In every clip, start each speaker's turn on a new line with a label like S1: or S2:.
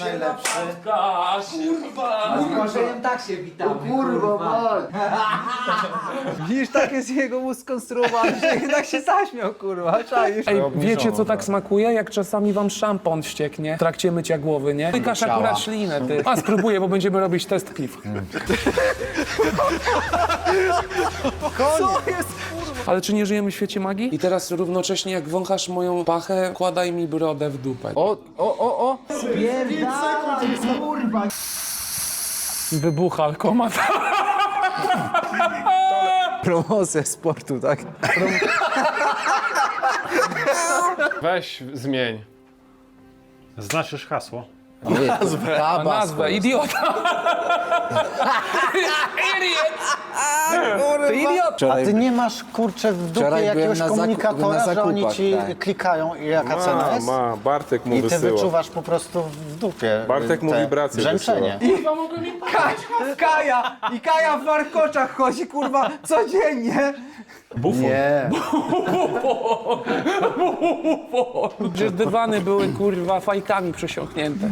S1: najlepszy.
S2: Kurwa!
S3: Z Błażejem tak się witamy.
S1: Kurwa,
S3: Widzisz, tak jest jego mózg skonstruowany, że jednak się zaśmiał, kurwa, czaisz?
S2: Ej, wiecie co tak smakuje? Jak czasami wam szampon wścieknie w trakcie mycia głowy, nie? Pykasz akurat ślinę, ty. A spróbuję, bo będziemy robić test piw.
S3: Co jest, kurwa?
S2: Ale czy nie żyjemy w świecie magii? I teraz równocześnie jak wąchasz moją pachę, kładaj mi brodę w dupę.
S3: O! Spierdalaj, kurwa!
S2: Wybucha alkomat.
S3: Promocja sportu, tak?
S4: Weź zmień.
S5: Znasz już hasło?
S2: A nazwę, idiota. Idiot. Ty idiot.
S1: a ty nie masz, kurczę, w dupie
S3: wczoraj byłem
S1: jakiegoś
S3: na
S1: komunikatora, że oni
S3: zakupach,
S1: ci
S3: tak.
S1: klikają i jaka cena jest?
S4: Bartek mu
S1: I ty
S4: wysyła.
S1: wyczuwasz po prostu w dupie
S4: Bartek mu
S1: te
S4: wibracje
S1: brzęczenie.
S3: Kaja w warkoczach chodzi, kurwa, codziennie.
S1: Nie.
S2: Przecież dywany były kurwa fajkami przesiąknięte.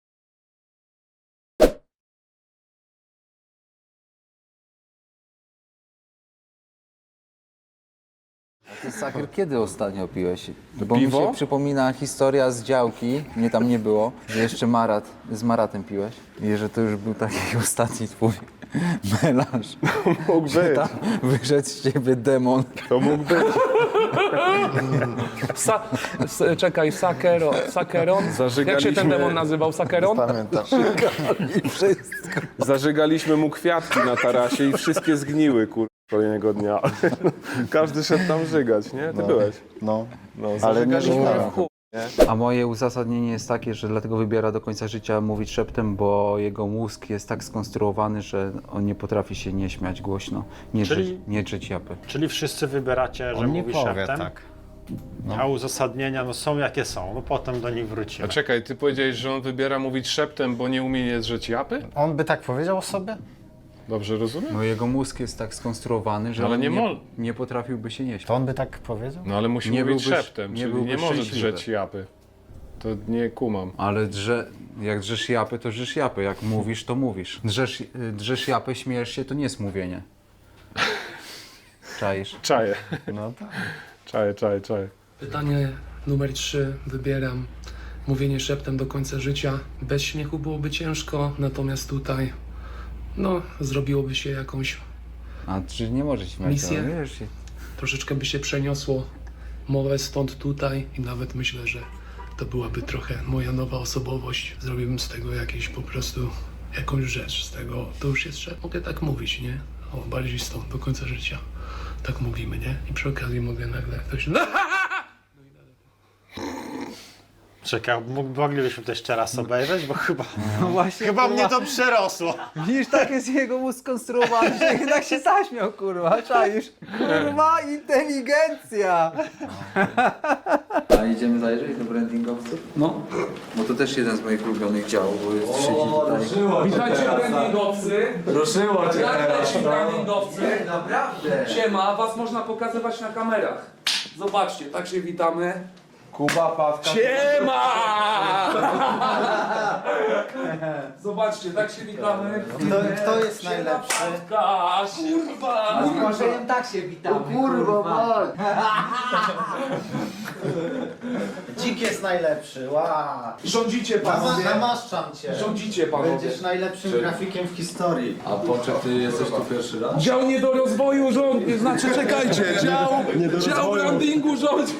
S3: Ty, Saker, kiedy ostatnio piłeś? Bo
S4: Piwo?
S3: mi się przypomina historia z działki, mnie tam nie było, że jeszcze z Maratem piłeś i że to już był taki ostatni twój melanż.
S4: Mógł być.
S3: Tam wyszedł z ciebie demon.
S4: To mógł być.
S2: Czekaj, Sakeron. Jak się
S4: Zażygaliśmy-
S2: ten demon nazywał? Sakeron?
S1: Pamiętam.
S3: I wszystko.
S4: Zażygaliśmy mu kwiatki na tarasie i wszystkie zgniły, kolejnego dnia. Każdy szedł tam żygać, nie? Ty byłeś.
S1: No.
S4: No,
S1: Ale nie
S4: zażygaliśmy
S1: żygałem.
S4: w chuj.
S3: A moje uzasadnienie jest takie, że dlatego wybiera do końca życia mówić szeptem, bo jego mózg jest tak skonstruowany, że on nie potrafi się nie śmiać głośno, nie drzeć japy.
S5: Czyli wszyscy wybieracie, że
S1: On nie
S5: mówi
S1: powie,
S5: szeptem,
S1: tak.
S5: a uzasadnienia no, są jakie są, no potem do nich wrócimy.
S4: A czekaj, ty powiedziałeś, że on wybiera mówić szeptem, bo nie umie nie drzeć japy?
S1: On by tak powiedział o sobie?
S4: Dobrze rozumiem?
S3: No jego mózg jest tak skonstruowany, że
S4: Ale
S3: on
S4: nie
S3: nie potrafiłby się nie śmiać.
S1: To on by tak powiedział?
S4: No ale musi
S3: Nie
S4: mówić
S3: byłby-
S4: szeptem,
S3: nie
S4: czyli
S3: byłby
S4: nie może
S3: szczęśliwy.
S4: drzeć japy. To nie kumam.
S3: Ale jak drzesz japy, to drzesz japy. Jak mówisz, to mówisz. Drzesz japy, śmiejesz się, to nie jest mówienie. Czaisz?
S4: Czaję.
S1: No tak.
S4: Czaję.
S2: Pytanie numer 3. Wybieram mówienie szeptem do końca życia. Bez śmiechu byłoby ciężko, natomiast tutaj no, zrobiłoby się jakąś,
S3: A czy nie możesz śmiać?
S2: Misję?
S3: No, wiesz,
S2: troszeczkę by się przeniosło mowę stąd tutaj i nawet myślę, że to byłaby trochę moja nowa osobowość. Zrobiłbym z tego jakieś po prostu jakąś rzecz. Z tego to już jest, że mogę tak mówić, nie? O, bardziej stąd do końca życia. Tak mówimy, nie? I przy okazji mogę nagle ktoś...
S5: Czekaj, moglibyśmy to jeszcze raz obejrzeć, bo chyba,
S3: No właśnie,
S5: chyba
S3: kurwa.
S5: mnie to przerosło.
S3: Widzisz, tak jest jego mózg skonstruowany, że jednak się zaśmiał, kurwa, czaisz? Kurwa, inteligencja! A idziemy zajrzeć do brandingowców?
S2: No.
S3: Bo to też jeden z moich ulubionych działów, bo jest siedzi tutaj.
S2: Witajcie brandingowcy.
S3: Ruszyło cię
S2: Jak leci brandingowcy?
S3: Naprawdę!
S2: Siema, was można pokazywać na kamerach. Zobaczcie, tak się witamy.
S3: Kuba, Pawka.
S2: Siema! Zobaczcie, tak się witamy.
S1: Kto jest najlepszy?
S2: Kurwa!
S3: Z Błażejem tak się witamy,
S1: Dzik jest najlepszy, wow.
S2: Rządzicie panowie.
S1: Namaszczam cię.
S2: Rządzicie panowie.
S1: Będziesz najlepszym grafikiem w historii.
S3: A Poczek, ty jesteś tu pierwszy raz?
S2: Dział nie do rozwoju rządzi, znaczy czekajcie, dział brandingu rządzi.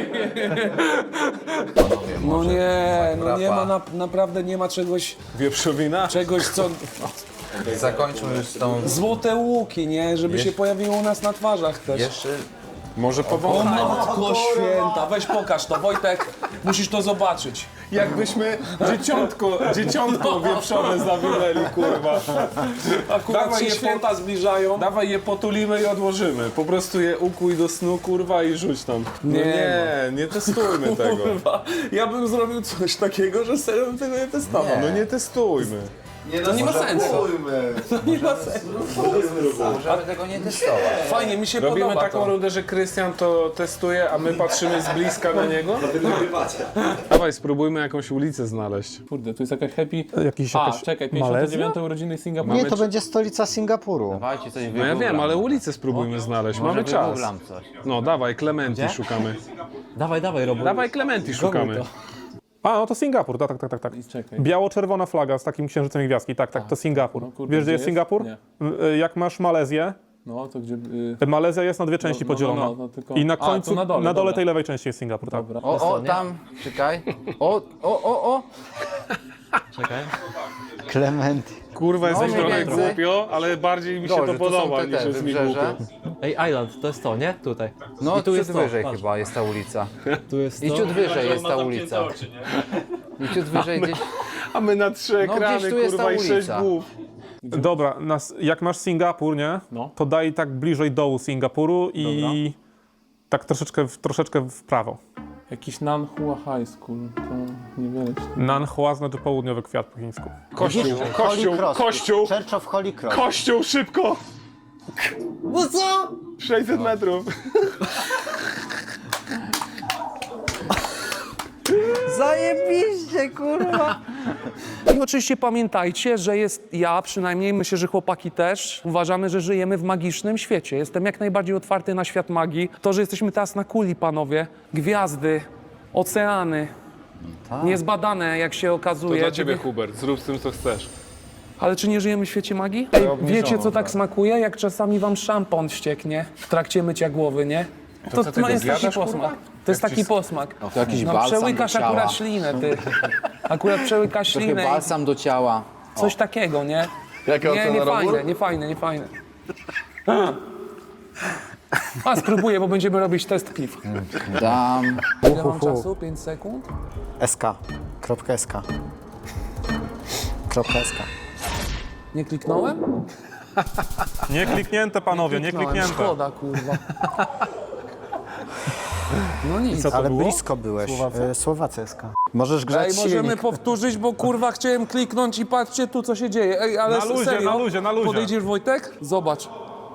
S2: No nie ma, naprawdę nie ma
S4: Wieprzowina?
S2: czegoś co...
S3: Zakończmy już z tą...
S2: Złote łuki, nie? Żeby się pojawiło u nas na twarzach też.
S3: Jeszcze...
S4: Może
S2: O
S4: powąchaj.
S2: matko święta, weź pokaż to, Wojtek, musisz to zobaczyć.
S4: Jakbyśmy dzieciątko wieprzone zawinęli, kurwa.
S2: Akurat
S4: Dawaj
S2: się
S4: je
S2: święta zbliżają.
S4: Dawaj je potulimy i odłożymy. Po prostu je ukuj do snu, kurwa, i rzuć tam. No nie testujmy tego.
S2: Kurwa, ja bym zrobił coś takiego, że serio bym tego nie testował.
S4: No nie testujmy.
S2: To nie ma sensu. To nie ma sensu.
S3: Możemy tego nie testować.
S2: Fajnie, mi się
S4: Robimy
S2: podoba
S4: taką
S2: to.
S4: rundę, że Krystian to testuje, a my patrzymy z bliska na niego. Dawaj, spróbujmy jakąś ulicę znaleźć. Kurde, tu jest jakaś happy... czekaj, 59 urodziny Singapuru.
S1: Nie, to będzie stolica Singapuru.
S3: Dawajcie coś
S4: No ja wiem, ale ulicę spróbujmy znaleźć, mamy czas.
S3: Wygooglam coś.
S4: No dawaj, Clementi szukamy.
S3: Dawaj, Robo.
S4: Dawaj, Clementi szukamy.
S6: A, no to Singapur, tak.
S4: Czekaj.
S6: Biało-czerwona flaga z takim księżycem i gwiazdki, tak, to Singapur.
S4: kurde,
S6: Wiesz, gdzie jest
S4: gdzie
S6: Singapur?
S4: jest?
S6: Jak masz Malezję,
S4: No to gdzie...
S6: Malezja jest na dwie części podzielona.
S4: tylko...
S6: I na
S4: A,
S6: końcu,
S4: tu na dole, dobra.
S6: tej lewej części jest Singapur, tak.
S4: Dobra.
S3: O, tam, czekaj. O.
S1: Clementy.
S4: Kurwa, jesteś
S3: mniej
S4: trochę
S3: więcej.
S4: głupio, ale bardziej mi się to
S3: Dobrze,
S4: podoba
S3: tu są
S4: niż
S3: te
S4: jest mi głupio.
S3: wybrzeże.
S7: Ej, Island, to jest to, nie? Tutaj.
S3: No
S7: I tu jest
S3: ciut
S7: to,
S3: wyżej
S7: patrz.
S3: chyba jest ta ulica.
S7: Tu jest
S3: I
S7: to.
S3: ciut wyżej jest ta ulica. I ciut wyżej gdzieś...
S4: A my na 3
S3: No,
S4: ekrany,
S3: gdzieś tu jest
S4: kurwa,
S3: ta
S4: i 6
S3: ulica.
S4: głów.
S6: Dobra, jak masz Singapur, nie?
S4: No.
S6: To daj tak bliżej dołu Singapuru i tak troszeczkę w prawo.
S4: Jakiś Nanhua High School, to niewiele.
S6: Nanhua znaczy południowy kwiat po chińsku.
S4: Kościół!
S1: Church of Holy Cross.
S4: Kościół, szybko!
S1: No co?
S4: 600 metrów.
S3: Zajebiście, kurwa!
S2: I oczywiście pamiętajcie, że ja przynajmniej, myślę, że chłopaki też, uważamy, że żyjemy w magicznym świecie. Jestem jak najbardziej otwarty na świat magii. To, że jesteśmy teraz na kuli, panowie, gwiazdy, oceany, niezbadane, jak się
S4: To
S2: okazuje.
S4: dla ciebie, Hubert, zrób z tym, co chcesz.
S2: Ale czy nie żyjemy w świecie magii? Ej, wiecie, co tak smakuje? Jak czasami wam szampon ścieknie w trakcie mycia głowy, nie? To
S4: co ty go
S2: jest taki
S4: zjadasz,
S2: posmak. To jest taki posmak.
S3: To jakiś balsam
S2: przełykasz
S3: do ciała.
S2: akurat ślinę, ty. Akurat przełykasz
S3: Trochę
S2: ślinę i
S3: balsam do ciała.
S2: coś takiego, nie? Nie fajne. A spróbuję, bo będziemy robić test piw.
S3: Dam.
S2: Ile mam czasu? 5 sekund?
S1: SK. Kropka SK. Kropka SK.
S2: Nie kliknąłem?
S6: Nie kliknięte, panowie, nie kliknięte.
S2: Szkoda, kurwa. No nic.
S1: Ale blisko byłeś. Słowacja SK. Możesz grzać
S2: Ej, możemy
S1: silnik.
S2: powtórzyć, bo kurwa chciałem kliknąć i patrzcie tu, co się dzieje. Ej, ale
S6: Na luzie,
S2: serio?
S6: na luzie.
S2: Podejdziesz, Wojtek? Zobacz.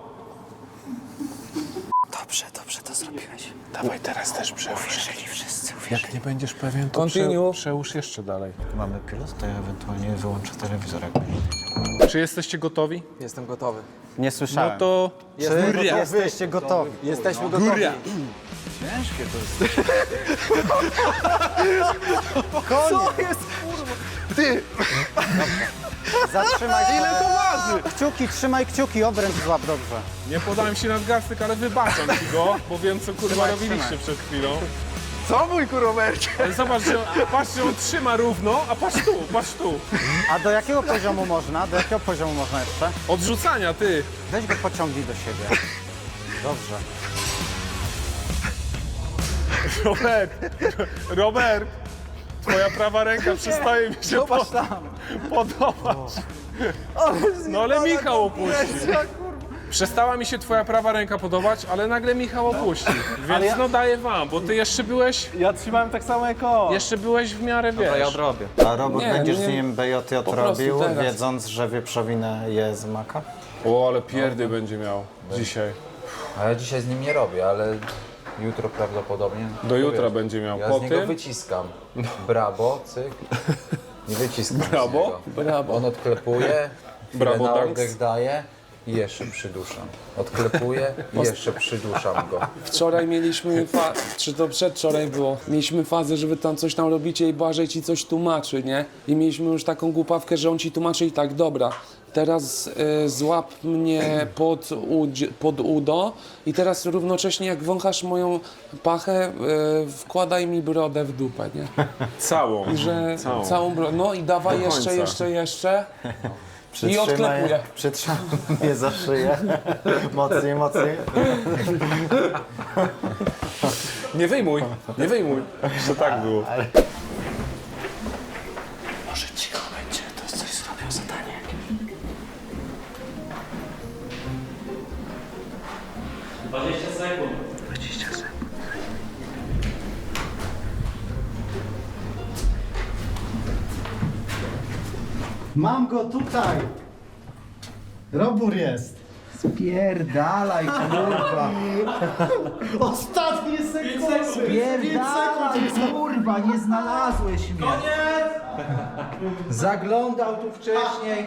S1: Dobrze to zrobiłeś.
S4: Dawaj, teraz też przełóż.
S1: Wszyscy
S4: Jak nie będziesz pewien, to
S2: Continue.
S4: przełóż jeszcze dalej.
S1: Mamy pilot, to ja ewentualnie wyłączę telewizor, jak będzie.
S4: Czy jesteście gotowi?
S3: Jestem gotowy.
S1: Nie słyszałem.
S4: No to...
S1: Czy jesteście gotowi?
S3: Jesteśmy gotowi.
S1: Zatrzymaj się. Ile to waży? Kciuki, trzymaj kciuki, obręcz złap dobrze.
S4: Nie podałem się nadgarstek, ale wybaczam ci go, bo wiem, co kurwa robiliście przed chwilą.
S3: Co mój kuromercie?
S4: Ale zobacz, że patrz, że on trzyma równo, a patrz tu.
S1: A do jakiego poziomu można? Do jakiego poziomu można jeszcze?
S4: Odrzucania, ty.
S1: Weź go pociągnij do siebie. Dobrze.
S4: Robert, twoja prawa ręka przestaje mi się podobać. No ale Michał opuścił. Przestała mi się twoja prawa ręka podobać, ale nagle Michał opuścił. Więc no daję wam, bo ty jeszcze byłeś...
S6: Ja trzymałem tak samo jak on.
S4: Jeszcze byłeś w miarę, wiesz.
S3: Ja odrobię.
S1: A robot
S2: Nie,
S1: będziesz
S2: nie.
S1: z nim BJJ
S2: prostu
S1: robił,
S2: teraz.
S1: wiedząc, że wieprzowinę je z maka?
S4: O, ale pierdy będzie miał dzisiaj.
S3: A ja dzisiaj z nim nie robię, ale jutro prawdopodobnie.
S4: Do jutra będzie miał.
S3: Ja
S4: Po
S3: z niego
S4: tym?
S3: wyciskam. Brawo, cyk. Nie wyciskam
S4: Brawo?
S3: z niego.
S2: Brawo.
S3: On odklepuje,
S4: Brawo,
S3: chwilę na
S4: thanks.
S3: oddech daje i jeszcze przyduszam. Odklepuję i jeszcze przyduszam go.
S2: Wczoraj mieliśmy, czy to przedwczoraj było, mieliśmy fazę, że wy tam coś tam robicie i Błażej ci coś tłumaczy, nie? I mieliśmy już taką głupawkę, że on ci tłumaczy i tak, dobra, teraz złap mnie pod udo i teraz równocześnie jak wąchasz moją pachę, wkładaj mi brodę w dupę, nie?
S4: Całą.
S2: Że
S4: Całą.
S2: całą brodę, no i dawaj
S4: Do końca.
S2: jeszcze. I odklepuję.
S1: Przytrzymaj mnie za szyję. Mocniej.
S4: Nie wyjmuj, że tak było.
S1: Może cicho będzie, to coś zrobią zadanie. Mam go tutaj! Robór jest!
S3: Spierdalaj, kurwa.
S1: Ostatnie sekundy!
S3: Spierdalaj, kurwa, nie znalazłeś mnie. Zaglądał tu wcześniej.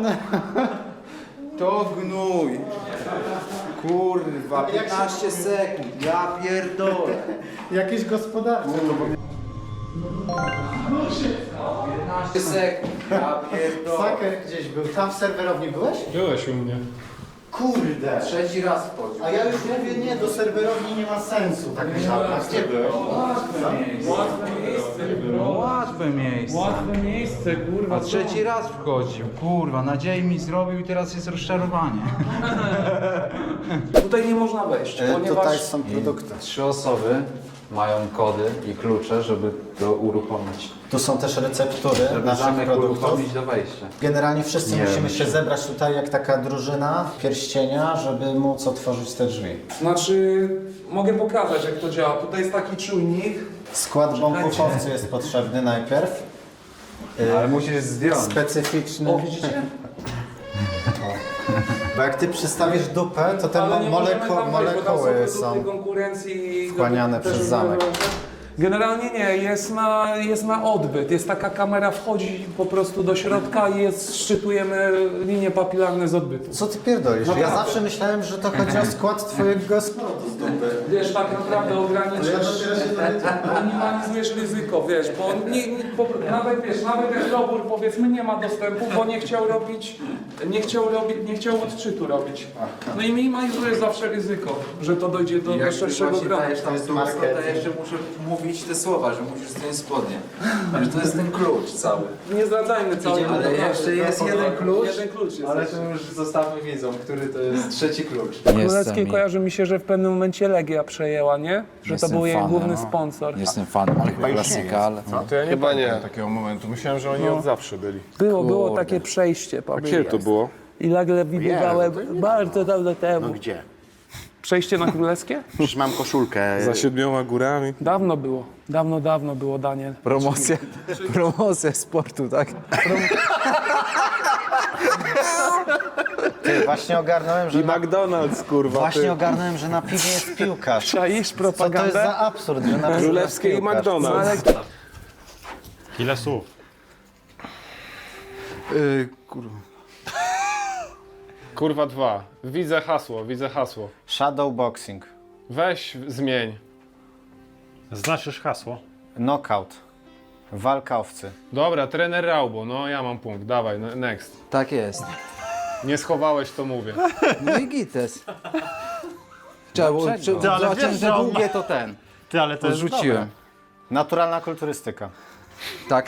S3: To gnój. Kurwa, 15 sekund. Ja pierdolę.
S1: Jakieś gospodarcze.
S3: 15 sekund. Ja pierdolę.
S1: Saker gdzieś był. Tam w serwerowni byłeś?
S4: Byłeś u mnie.
S1: Kurde!
S3: Trzeci raz wchodził.
S1: A ja już mówię, nie, do serwerowni nie ma sensu. Tak myślałem. A gdzie byłeś?
S3: Łatwe miejsce.
S4: Łatwe miejsce, kurwa.
S3: A trzeci raz wchodził. Kurwa, nadziei mi zrobił i teraz jest rozczarowanie.
S8: Tutaj nie można wejść,
S1: Tutaj
S8: ponieważ
S1: są produkty.
S3: 3 osoby mają kody i klucze, żeby to uruchomić.
S1: Tu są też receptury
S3: Żeby
S1: naszych
S3: zamek
S1: produktów.
S3: uruchomić do wejścia.
S1: Generalnie wszyscy musimy się zebrać tutaj jak taka drużyna pierścienia, żeby móc otworzyć te drzwi.
S8: znaczy mogę pokazać jak to działa. Tutaj jest taki czujnik.
S1: Skład bąkuchowcu jest potrzebny najpierw.
S3: Ale musisz zdjąć.
S1: Specyficzny.
S8: O, widzicie?
S1: Bo jak ty przystawisz dupę, to te
S8: Ale nie możemy tam wejść, bo tam
S1: molekuły
S8: są
S1: są
S8: produkty konkurencji.
S1: wchłaniane
S8: też
S1: przez zamek.
S8: Generalnie nie, jest na odbyt. Jest taka kamera, wchodzi po prostu do środka i szczytujemy linie papilarne z odbytu.
S1: Co ty pierdolisz? Ja zawsze myślałem, że to chodzi o skład twojego składu z dupy.
S8: Wiesz, tak naprawdę ograniczasz, minimalizujesz ryzyko, wiesz, bo nawet jak robór powiedzmy nie ma dostępu, bo nie chciał odczytu robić. No i minimalizujesz zawsze ryzyko, że to dojdzie do szerszego grona.
S3: tam to ja jeszcze muszę mówić te słowa, że musisz zdjąć spodnie. Że to jest ten klucz cały.
S8: Nie zdradzajmy całej
S3: Ale jeszcze jest jeden klucz.
S8: Jeden klucz jest.
S3: Ale to już zostawmy wiedzą, który to jest trzeci klucz.
S8: Królewskiej kojarzy mi się, że w pewnym momencie Legia przejęła, nie? Że to był jej główny sponsor.
S3: Jestem fanem tego klasika, ale...
S4: To ja nie pamiętam takiego momentu. Myślałem, że oni od zawsze byli.
S8: Było takie przejście,
S4: Kiedy to było?
S8: I nagle widziałem bardzo dawno temu.
S9: Gdzie?
S8: Przejście na Królewskie?
S9: Przecież mam koszulkę.
S4: Za 7 górami.
S8: Dawno było. Dawno było, Daniel.
S3: Promocja sportu, tak?
S1: Ty, właśnie ogarnąłem, że
S4: McDonald's, kurwa.
S1: właśnie ogarnąłem, że na piwie jest piłkarz.
S8: Czaisz
S1: Co to jest
S8: propagandę?
S1: za absurd, że na piwie jest
S4: Królewskiej i
S1: piłkarz?
S4: McDonald's.
S5: Ile słów?
S4: Kurwa 2. Widzę hasło.
S1: Shadowboxing.
S4: Weź zmień.
S5: Znasz już hasło?
S1: Knockout. Walkowcy.
S4: Dobra, trener Raubo, no ja mam punkt, dawaj, next.
S3: Tak jest.
S4: Nie schowałeś, to mówię.
S3: No i gites. Zobaczyłem,
S5: wiesz,
S3: że
S5: że on
S3: długie to ten.
S5: Ty, ale to jest
S3: Rzuciłem.
S1: Naturalna kulturystyka.
S3: Tak?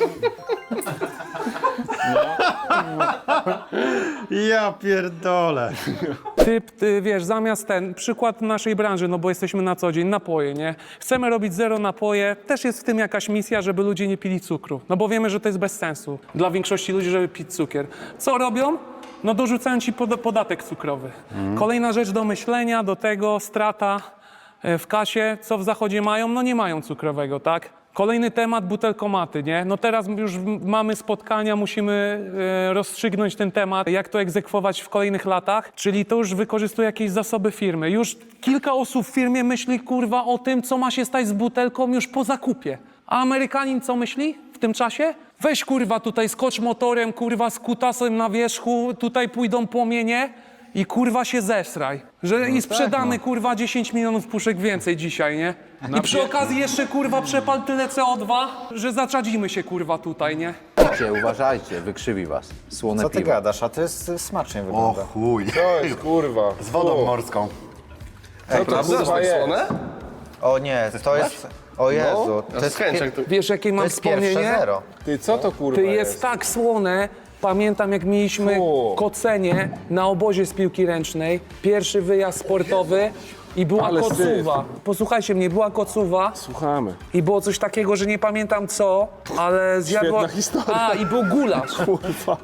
S5: Ja pierdolę.
S8: Ty wiesz, zamiast przykład naszej branży, no bo jesteśmy na co dzień, napoje, nie? Chcemy robić zero napoje, też jest w tym jakaś misja, żeby ludzie nie pili cukru. No bo wiemy, że to jest bez sensu dla większości ludzi, żeby pić cukier. Co robią? No dorzucają ci podatek cukrowy. Kolejna rzecz do myślenia, do tego strata w kasie. Co w zachodzie mają? No nie mają cukrowego, tak? Kolejny temat, butelkomaty, nie? No teraz już mamy spotkania, musimy rozstrzygnąć ten temat, jak to egzekwować w kolejnych latach, czyli to już wykorzystuje jakieś zasoby firmy. Już kilka osób w firmie myśli, kurwa, o tym, co ma się stać z butelką już po zakupie. A Amerykanin co myśli w tym czasie? Weź, kurwa, tutaj skocz motorem, kurwa, z kutasem na wierzchu, tutaj pójdą płomienie i kurwa się zesraj. I sprzedamy kurwa 10 milionów puszek więcej dzisiaj, nie? I przy okazji jeszcze kurwa przepal tyle CO2, że zaczadzimy się kurwa tutaj, nie?
S3: Uważajcie, wykrzywi was. Słone
S1: Co ty gadasz? A to jest smacznie wygląda.
S9: chuj.
S4: To jest kurwa.
S9: Z wodą morską.
S4: Co to kurwa jest?
S1: O nie, to jest... O Jezu, to jest,
S8: Wiesz jakie
S1: to
S8: mam
S1: jest pierwsze
S8: wspomnienie?
S1: zero.
S4: Ty, co to kurwa
S8: To jest tak słone. Pamiętam jak mieliśmy kocenie na obozie z piłki ręcznej, pierwszy wyjazd sportowy i była
S4: Ale
S8: kocuwa. Posłuchajcie mnie, była kocuwa.
S4: Słuchamy.
S8: I było coś takiego, że nie pamiętam co, ale zjadła...
S4: Świetna historia.
S8: A, i był gulasz.
S4: Kurwa.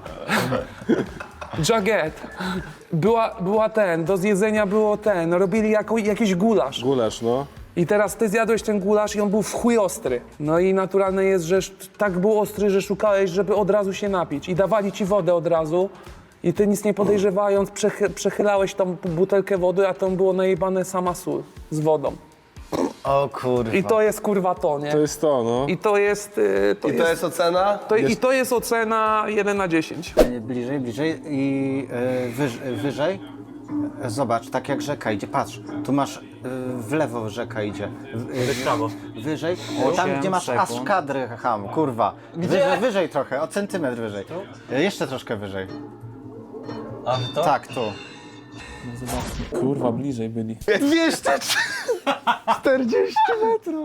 S8: Jaget. Do zjedzenia było robili jakiś gulasz.
S4: Gulasz, no.
S8: I teraz ty zjadłeś ten gulasz i on był w chuj ostry. No i naturalne jest, że tak był ostry, że szukałeś, żeby od razu się napić. I dawali ci wodę od razu. I ty nic nie podejrzewając, przechylałeś tą butelkę wody, a tam było najebane sama sól z wodą.
S1: O kurwa.
S8: I to jest kurwa to, nie?
S4: To jest to, no.
S8: I to jest...
S10: To jest ocena?
S8: I to jest ocena 1 na 10.
S1: Bliżej i wyżej. Zobacz, tak jak rzeka idzie, patrz, tu masz w lewo rzeka idzie. W prawo. Wyżej, tam gdzie masz aż kadry, ham, kurwa. Wyżej trochę, o centymetr wyżej. Jeszcze troszkę wyżej.
S3: A to?
S1: Tak, tu.
S8: Kurwa, bliżej byli.
S4: 40 metrów.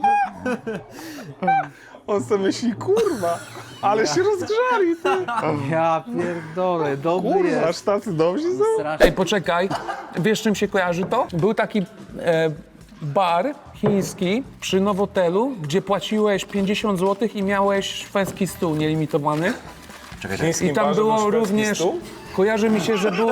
S4: On sobie myśli, kurwa, ale się rozgrzali, ty.
S3: Ja pierdolę, dobry
S4: Kurwa,
S3: jest.
S4: aż tacy dobrzy są.
S8: Ej, poczekaj, wiesz czym się kojarzy to? Był taki bar chiński przy Nowotelu, gdzie płaciłeś 50 zł i miałeś szwedzki stół nielimitowany. I tam było również... Kojarzy mi się, że było...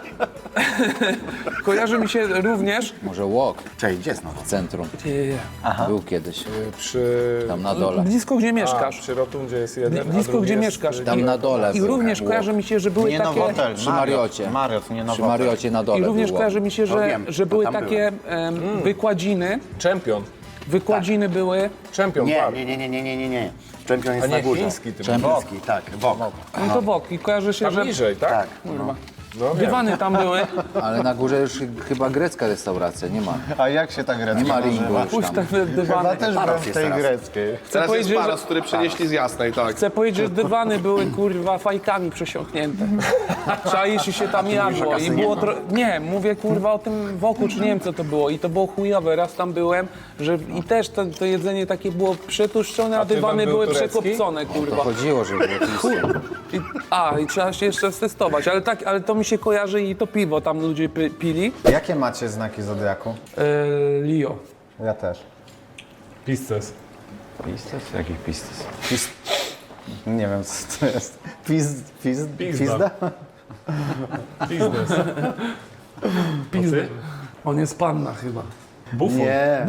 S8: Kojarzy mi się również...
S9: Może walk
S10: Cześć, gdzie znowu?
S9: w centrum. Był kiedyś,
S4: Przy...
S9: tam na dole.
S8: Blisko gdzie mieszkasz.
S4: Przy rotundzie jest jeden, a
S8: Blisko
S4: drugi
S8: gdzie
S4: jest,
S8: mieszkasz.
S9: Tam na dole
S8: I
S9: był
S8: również
S9: walk.
S8: kojarzy mi się, że były
S1: Nie
S8: takie...
S1: Nowotel,
S9: Przy Mariocie.
S1: Mariot, nie
S9: Przy
S1: Nowotel.
S9: Mariocie na dole
S8: I również
S9: było.
S8: kojarzy mi się, że,
S10: wiem,
S8: że były
S10: tam
S8: takie wykładziny.
S4: Czempion.
S8: Wykładziny były...
S4: Czempion,
S10: Nie,
S4: bar.
S10: nie. Czempion
S4: A
S10: jest
S4: nie
S10: na górze.
S4: chiński tym.
S10: Chiński, tak, wok.
S8: No to bok. I kojarzy się,
S4: Tam
S8: że
S4: niżej, tak?
S10: Tak.
S4: No wiem.
S8: dywany tam były.
S9: Ale na górze już chyba grecka restauracja, nie ma.
S1: A jak się ta grecka
S9: Nie ma
S1: nazywa?
S9: ringu już
S8: Puść
S9: tam.
S8: te dywany.
S1: Też byłem w tej greckiej.
S8: Chcę powiedzieć, że,
S10: który przynieśli z Jasnej, tak.
S8: chcę powiedzieć, że dywany były kurwa fajkami przesiąknięte. Czaisz i się tam jadło. I było nie, mówię kurwa o tym woku, czy nie wiem co to było. I to było chujowe. Raz tam byłem, że i też to jedzenie takie było przetłuszczone, a
S4: dywan
S8: dywany
S4: był
S8: były
S4: turecki?
S8: przekopcone kurwa.
S9: Chodziło, że było tłusty.
S8: I trzeba się jeszcze testować, ale to mi się kojarzy i to piwo tam ludzie pili.
S1: Jakie macie znaki zodiaku?
S8: Lio.
S1: Ja też.
S4: Pisces.
S3: Pistes? Jaki pistes?
S1: Nie wiem co to jest. Pizda?
S4: Biznes.
S8: Pizdy. On jest panna chyba.
S4: Bufon.
S1: Nie.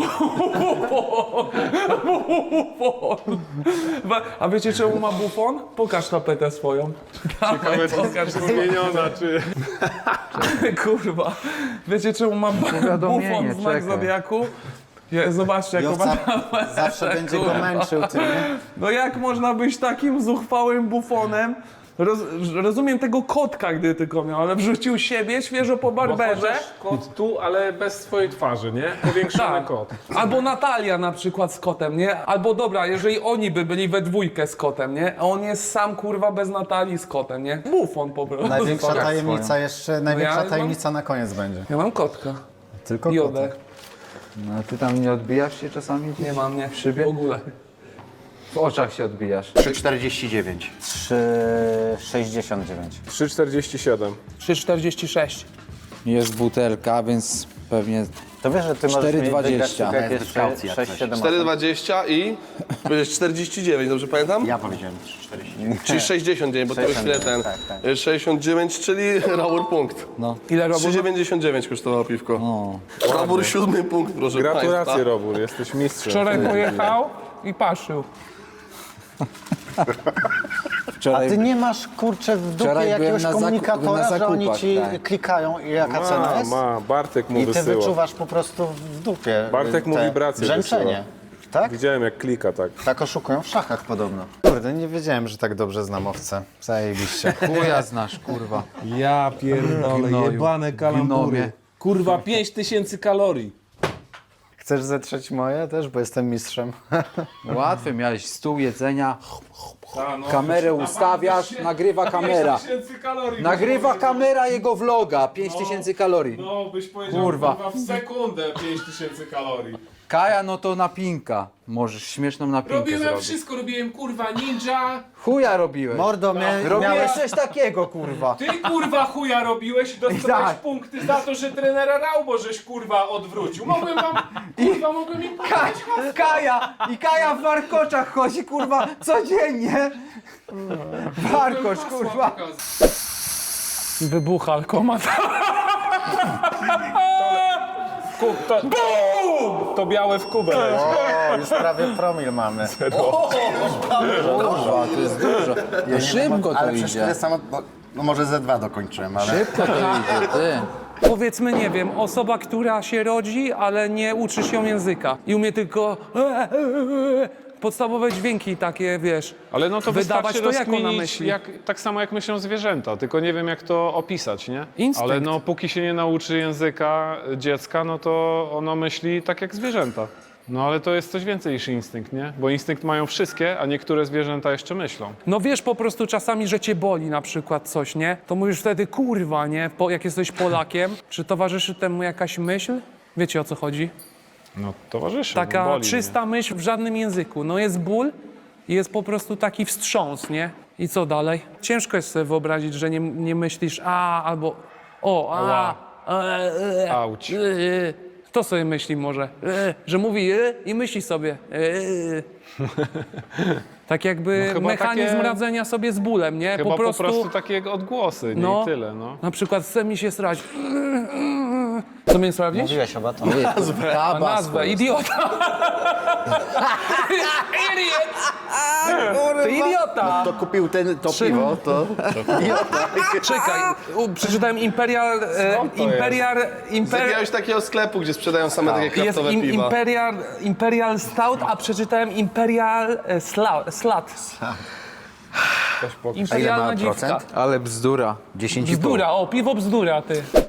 S8: A wiecie czemu ma bufon? Pokaż tapetę swoją.
S4: Ciekawe,
S8: Pokaż,
S4: czy zmieniona, czy...
S8: kurwa. Wiecie czemu ma
S3: Powiadomienie,
S8: bufon w znak
S3: czekaj.
S8: zodiaku? Zobaczcie jaką ma tapetę,
S1: Zawsze będzie go
S8: kurwa.
S1: męczył tym, nie?
S8: No jak można być takim zuchwałym bufonem? Rozumiem tego kotka, gdy tylko miał, ale wrzucił siebie świeżo po barberze.
S4: Kot tu, ale bez swojej twarzy, nie? Powiększony
S8: Tak.
S4: kot.
S8: Albo Natalia na przykład z kotem, nie? Albo dobra, jeżeli oni by byli we dwójkę z kotem, nie? A on jest sam kurwa bez Natalii z kotem, nie? Bufon po prostu.
S1: Największa tajemnica jeszcze, największa
S8: mam-
S1: tajemnica na koniec będzie.
S8: Ja mam kotka.
S1: Tylko
S8: Jodę.
S1: kotek.
S3: No ty tam nie odbijasz się czasami?
S8: Nie mam, nie.
S3: W szybie?
S8: W ogóle.
S3: W oczach się odbijasz.
S10: 3,49.
S1: 3,69.
S4: 3,47.
S8: 3,46.
S9: Jest butelka, więc pewnie
S1: To wiesz, że ty możesz mieć
S9: 4,20.
S1: wygrać tylko jak
S10: Bez
S1: jest
S10: kaucji, jak
S1: 6,
S10: coś.
S1: 7,
S11: 4,20 i 49, dobrze pamiętam?
S10: Ja powiedziałem 3,49.
S11: Czyli 69, bo to już nie ten.
S1: tak, tak.
S11: 69, czyli Robur punkt.
S8: Ile robisz?
S11: 3,99 kosztowało piwko. Robur 7 punkt, proszę
S4: Gratulacje,
S11: państwa.
S4: Robur, jesteś mistrzem.
S8: Wczoraj pojechał i paszył.
S1: A
S9: wczoraj
S1: ty nie masz, kurczę, w dupie
S9: Wczoraj byłem
S1: jakiegoś
S9: na
S1: komunikatora,
S9: na
S1: że oni
S9: zakupach,
S1: ci
S9: tak.
S1: klikają i jaka cena jest?
S4: Bartek mu
S1: I ty
S4: wysyła.
S1: wyczuwasz po prostu w dupie
S4: Bartek mu
S1: te
S4: wibracje
S1: brzęczenie.
S4: wysyła.
S1: Tak?
S4: Widziałem jak klika, tak.
S1: Tak oszukują w szachach podobno. Kurde, nie wiedziałem, że tak dobrze znam owce. Zajebiście.
S3: Chuja znasz, kurwa.
S4: Ja pierdolę,
S3: Gnoju.
S4: jebane kalambury.
S3: Gnomie.
S4: Kurwa, 5000 kalorii.
S1: Chcesz zetrzeć moje też, bo jestem mistrzem.
S3: Łatwy, miałeś stół jedzenia, kamerę ustawiasz, nagrywa kamera.
S4: 5000 kalorii.
S3: Nagrywa kamera jego vloga, 5000 kalorii.
S4: No, byś powiedział,
S3: Kurwa.
S4: w sekundę 5000 kalorii.
S3: Kaja, no to napinka. Możesz śmieszną napinkę
S4: Robiłem
S3: zrobić.
S4: wszystko, robiłem kurwa ninja.
S3: Chuja robiłeś.
S1: Mordo,
S3: Robiłeś
S1: miałeś...
S3: coś takiego, kurwa.
S4: Ty kurwa chuja robiłeś i dostałeś
S3: tak.
S4: punkty za to, że trenera Raubo żeś kurwa odwrócił. Mogłem wam, kurwa, mogłem im pokazać.
S3: Kaja w warkoczach chodzi, kurwa, codziennie. Warkocz, kurwa.
S8: Wybucha alkomat.
S4: Bum! To białe w kubę.
S1: O, już prawie promil mamy.
S9: Kurwa, to jest dużo. No szybko to
S10: Ale przecież
S9: idzie.
S10: tyle samo, no może ze 2 dokończyłem, ale...
S9: Szybko to idzie, ty.
S8: Powiedzmy, nie wiem, osoba, która się rodzi, ale nie uczy się języka i umie tylko podstawowe dźwięki takie, wiesz,
S4: Ale no to
S8: wydawać
S4: wystarczy
S8: to, jak ona
S4: rozkminić,
S8: myśli.
S4: tak samo jak myślą zwierzęta, tylko nie wiem jak to opisać, nie?
S8: Instynkt.
S4: Ale no póki się nie nauczy języka dziecka, no to ono myśli tak jak zwierzęta. No ale to jest coś więcej niż instynkt, nie? Bo instynkt mają wszystkie, a niektóre zwierzęta jeszcze myślą.
S8: No wiesz po prostu czasami, że cię boli na przykład coś, nie? To mówisz wtedy, kurwa, nie? Jak jesteś Polakiem, czy towarzyszy temu jakaś myśl? Wiecie, o co chodzi?
S4: No towarzyszy,
S8: Taka
S4: boli,
S8: czysta myśl w żadnym języku. No jest ból i jest po prostu taki wstrząs, nie? I co dalej? Ciężko jest sobie wyobrazić, że nie myślisz albo
S4: Auć.
S8: Kto sobie myśli może? Że mówi i myśli sobie. Tak jakby
S4: No chyba
S8: mechanizm
S4: takie-
S8: radzenia sobie z bólem, nie?
S4: Chyba po prostu takie odgłosy, nie?
S8: No.
S4: I tyle, no.
S8: Na przykład chce mi się srać. Co mnie sprawdzić?
S1: Mówiłeś chyba to.
S8: A nazwę, idiota. Idiot. Ty idiota.
S10: To kupił to piwo, to...
S8: Czekaj, przeczytałem Imperial...
S11: Z jakiegoś takiego sklepu, gdzie sprzedają same takie
S8: Jest
S11: kraftowe piwa.
S8: Imperial Stout, a przeczytałem Imperial Slut. Imperialna dziwka.
S9: Ale bzdura.
S1: 10,5.
S8: Bzdura, o, piwo bzdura, ty.